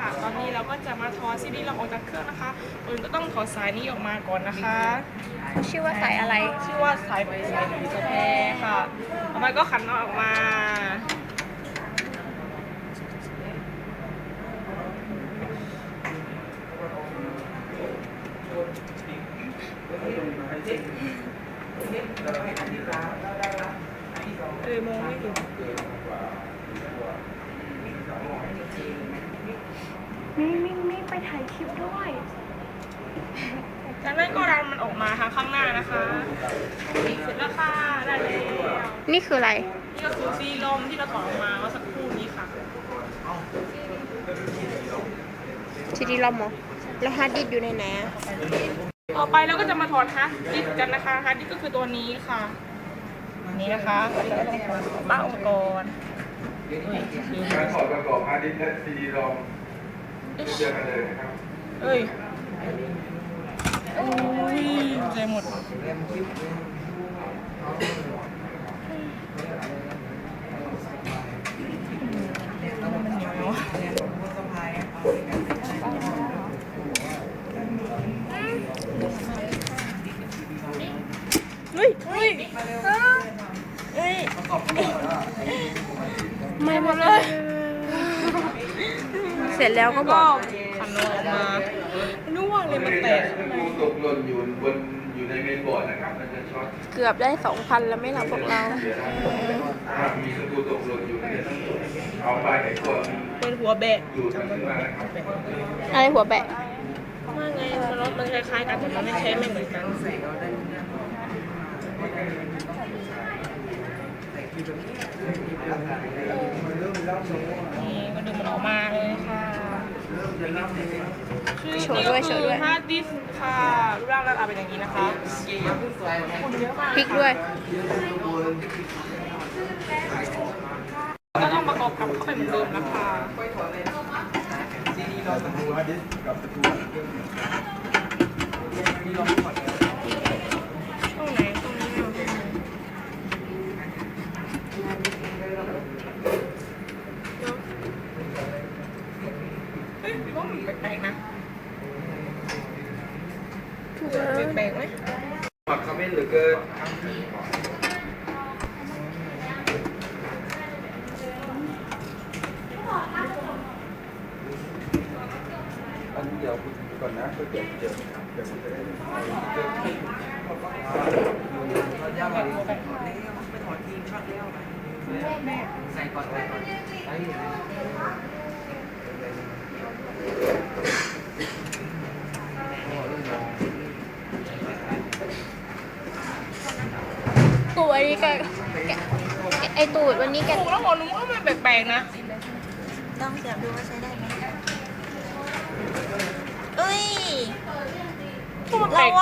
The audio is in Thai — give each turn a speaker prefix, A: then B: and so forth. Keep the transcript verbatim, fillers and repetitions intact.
A: ตอนนี้เราก็จะมาถอดซีดีเราออกจากเครื่องนะคะอื่นก็ต้องถอดสายนี้ออกมาก่อนนะคะ
B: ชื่อว่าสายอะไร
A: ชื่อว่าสายสายสายแพรค่ะต่อไปก็ขันน็อตออกมาเออมองไม่เห็น
B: มีมีมีไปถ่ายคลิปด้วย
A: จากนั้นก็ดันมันออกมาทางข้างหน้านะคะเสร็จแล้วค่ะได้แล้ว
B: นี่คืออะไร
A: นี่ก็คือซีลมที่เราถอดออกมาเมื่อสักครู่นี้ค่ะ
B: ซีดีลอมเหรอแล้วฮาร์ดดิสก์อยู่ในไหนอะ
A: ต่อไปเราก็จะมาถอดฮาร์ดดิสก์กันนะคะฮาร์ดดิสก์ก็คือตัวนี้ค่ะนี่นะคะแล้วก็ต้องถอดบ้าอุปกรณ์
C: การถอดประกอบฮาร์ดดิสก์และซีดีรอมเจอกันเลยนะครับ
A: เอ้ยโอ้ยใจหมดมันเหนียวเนาะเฮ้ยเฮ้ยเฮ้ยไม่หมดเลย
B: เสร็จแล้วก็บอก
A: ขันออกมานึกว่าเลยมันแตกข้างใน
C: ตกหล่นอยู่บนอยู่ในเมนบอร์ดนะครับมันจะช็อต
B: เกือบได้สองพันแล้วไม่หลับพวกเรา
C: มีสกรูตกหล่นอยู่ในเอาไปไอ้ตัว
A: เป็นหัวแบะ
C: อยู่ขึ้นมานะครับ
B: อะไรหัวแบะ
A: ว่าไงมันรถมันคล้ายๆกันแต่มันไม่ใช้ไม่เหมือนกันนี่ก็ดึงมันออกมาเลยค่ะคือนี่ก็คือฮาร์ดดิสก์ค่ะรูปร่างหน้าตาเป็นอย่างนี้นะคะคนเยอะมาก
B: พริกด้วย
A: ก็ต้องประกอบกลับเข้าไปเหมือนเดิมนะคะตรงไหนตรงนี้เฮ้ยว่ามันแปลกๆนะแปลกๆไหม
C: หมักคอมเมนต์หรือเกินอันเดี๋ยวคุณก่อนนะเดี๋ยวเดี๋ยวเดี๋ยวคุณจะได้
D: ใส่ก่อนใส่ก่อนใส่
B: ตูดอันนี้แกไอตูดวันนี้แก
A: ถูกแล้วหมอนุ้งว่ามันแปลกๆนะ
E: ต้องเสียบดูว่าใช้ได้ไหมเอ้ย
A: มันแปลก